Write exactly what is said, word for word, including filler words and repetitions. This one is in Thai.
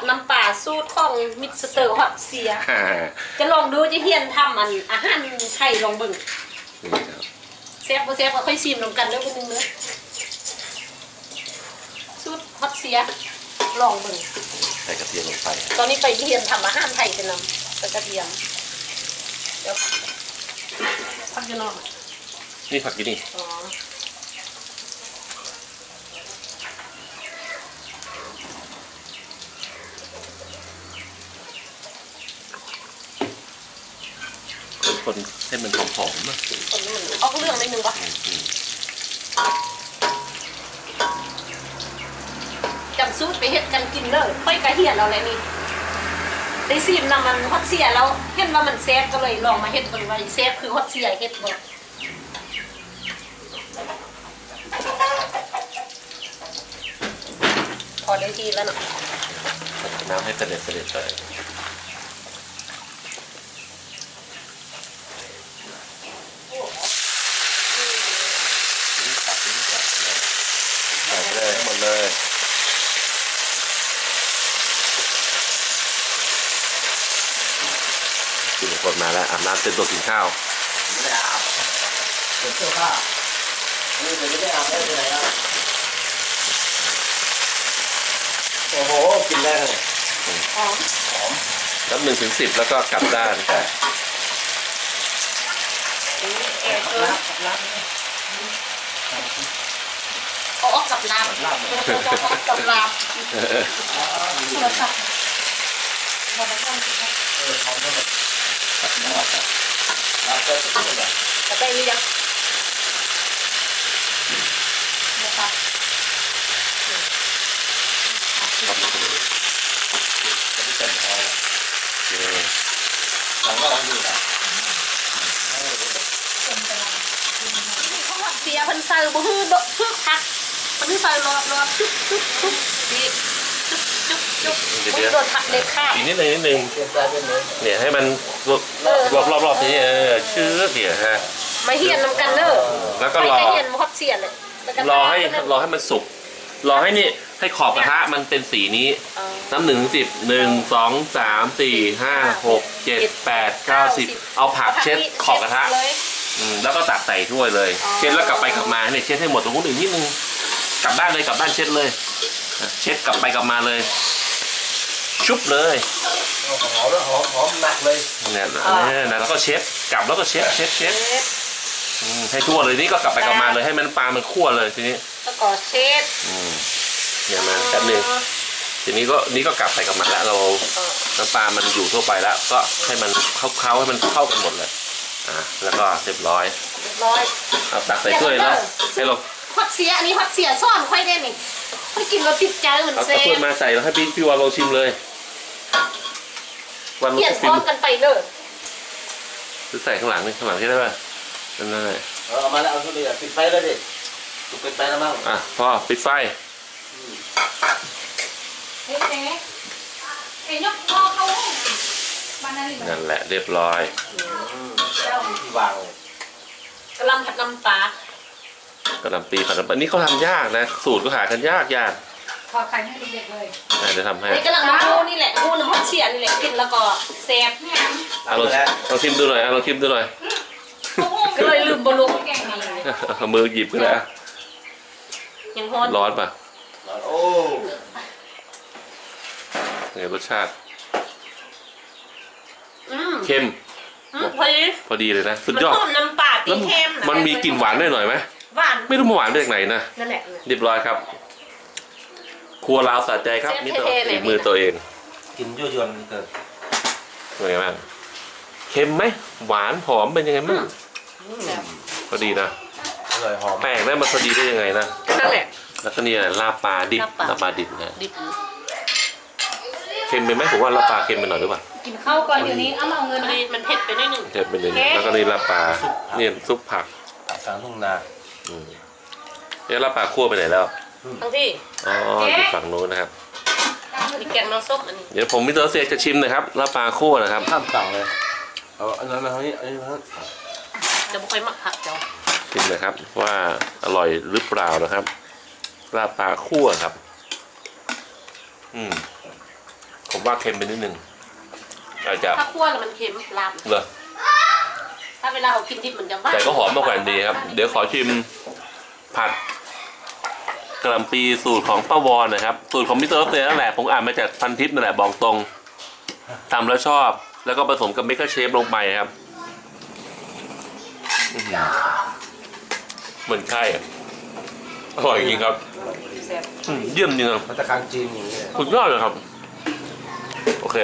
น้ำปลาสูตรของมิสเตอร์ฮอตเสียจะลองดูจะเฮียนทำอันอาหารไทยลองเบิ่งเซฟบ่เซฟก็ค่อยชิมลงกันเด้อคนนึงเด้อสูตรฮอตเสียลองเบิ่งใส่กระเทียมลงไปตอนนี้ไปเฮียนทำอาหารไทยกันนำใส่กระเทียมเดี๋ยวผักจะนอนนี่ผักกี่นี่อ๋อคนให้มันหอมๆนะคนนี้มันออกเรื่องได้นึงวะจำสูตรไปเฮ็ดกันกินเลยค่อยกระเฮียนเราเลยนี่ได้ซีมนำมันฮอตเสียแล้วเห็นว่ามันแซ่บก็เลยลองมาเฮ็ดเบิ่งว่าแซ่บคือฮอตเสียเฮ็ดบ่พอได้ทีแล้วเนาะน้ำให้เสด็จเสด็จเลยใส่เลยหมดเลยกินคนมาแล้วอาบน้ำเต็มตัวกินข้าวไม่ได้อาบเป็นเสื้อผ้านี่เป็นไม่ได้อาบได้ที่ไหนครับโอ้โหกินได้เลยหอมหอมนับหนึ่งถึงสิบแล้วก็กลับด้านเออเออเอาออกกับลาบกับลาบโทรศัพท์โทรศัพท์เออหอมก็แบบรับไปสักหน่อยจะไปหรือยังนะครับจะไม่เต็มพอหลังก็ลองดูนะเขาหักเสียพันใส่บุ้งดกทึกทักพันใส่รอบรอบจุ๊บจุ๊บจุ๊บดีจุ๊บจุ๊บจุ๊บบุ้งโดนผักเล็กข้าวอีกนิดนึงนิดนึงเนี่ยให้มันรอบรอบรอบนี้เออชื้อเดี๋ยวฮะมาเฮียนน้ำกันเนอะแล้วก็รอเฮียนฮอตเสียเลยรอให้รอให้มันสุกรอให้นี่ให้ขอบกระทะมันเป็นสีนี้น้ำหนึ่งสิบหนึ่งสองสามสี่ห้าหกเจ็ดแปดเก้าสิบเอาผักเช็ดขอบกระทะแล้วก็ตักใส่ถ้วยเลยเช็ดแล้วกลับไปกลับมาเนี่ยเช็ดให้หมดตรงนู้นอีกนิดนึงกลับด้านเลยกลับด้านเช็ดเลยเช็ดกลับไปกลับมาเลยชุบเลยหอมแล้วหอมหอมหนักเลยเนี่ยเนี่ยแล้วก็เช็ดกลับแล้วก็เช็ดเช็ดเช็ดให้ทั่วเลยนี่ก็กลับไปกลับมาเลยให้มันปลามันคั่วเลยทีนี้แล้วก็เช็ดเนี่ยมาแป๊บนึงทีนี้ก็นี่ก็กลับไปกลับมาแล้วเราน้ำปลามันอยู่ทั่วไปแล้วก็ให้มันเข้าๆให้มันเข้ากันหมดเลยอ่าแล้วก็เรียบร้อยเรียบร้อยเอาตักใส่ถ้วยแล้วให้เราฮอตเสียอันนี้ฮอตเสียซ่อนค่อยได้นี่ค่อยกินเราติดใจเหมือนเซ่เอาถ้วยมาใส่แล้วให้พี่พี่วานลองชิมเลยวันนี้ซ้อนกันไปเลยหรือใส่ข้างหลังนี่ข้างหลังใช่ได้ป่ะนั่นนั่นเลยเออมาแล้วเอาทุเรียนปิดไฟเลยดิปิดไฟแล้วมั้งอ่ะพอปิดไฟเฮ้ยเอ๊ะเอ๊ะยกคอเขานั่นแหละเรียบร้อยที่วางเลยกระลำผัดน้ำปลากระลำปีผัดน้ำปลานี่เขาทำยากนะสูตรก็หากันยากยากพอใครให้เด็กๆเลยจะทำให้นี่กำลังมาดูนี่แหละดูน้ำฮอตเสียนี่แหละกินแล้วก็แซ่บเนี่ยเอาลองลองชิมดูหน่อยเอาลองชิมดูหน่อยก็เลยลืมบอลลูนมือหยิบก็ได้ยังร้อนร้อนป่ะโอ้ไงรสชาติเค็มพอดีพอดีเลยนะสุดยอดน้ำปลาตีเค็มมันมีกลิ่นหวานด้วยหน่อยไหมหวานไม่รู้มันหวานได้จากไหนนะนั่นแหละเรียบร้อยครับครัวลาวสะใจครับนี่ตัวฝีมือตัวเองกินยั่วยวนเกิดเป็นไงบ้างเค็มไหมหวานหอมเป็นยังไงบ้างพอดีนะอร่อยหอมแป้งได้มาพอดีได้ยังไงนะนั่นแหละแล้วก็นี่ลาบปลาดิบลาบปลาดิบนะเค็มไปไหมผมว่าลาบปลาเค็มไปหน่อยหรือเปล่ากินข้าวก่อนเดี๋ยวนี้เอามาเอาเงินมันเผ็ดไปนิดนึงเผ็ดไปนิดนึงแล้วก็นี่ลาบปลาเนี่ยซุปผักผักกลางทุ่งนาเนี่ยลาบปลาคั่วไปไหนแล้วทั้งที่อ๋ออยู่ฝั่งนู้นนะครับมีแกงน้ำส้มอันนี้เดี๋ยวผมมิสเตอร์เซจะชิมนะครับลาบปลาคั่วนะครับข้ามสั่งเลยเอาอันนั้นมาเท่านี้อันนี้มาจะไม่ค่อยมักผักเจ้าชิมนะครับว่าอร่อยหรือเปล่านะครับลาบปลาคั่วครับอืมผมว่าเค็มไปนิดนึงอาจจะถ้าคั่วแล้วมันเค็มลาบเหรอถ้าเวลาเรากินดิบมันจะหวานแต่ก็หอมมากกว่าดีครับ เดี๋ยวขอชิมผัดกะหล่ำปีสูตรของป้าวอนนะครับสูตรของมิสเตอร์รัสเซียนั่นแหละผมอ่านมาจากพันทิปนั่นแหละบอกตรงทำแล้วชอบ แล้วก็ผสมกับเมกะเชฟลงไปครับอื้อหือเหมือนไข่อะอร่อยจริงครับแซ่บอืมเยี่ยมจริงครับมาตรการจีนอย่างนี้สุดยอดเลยครับโอเค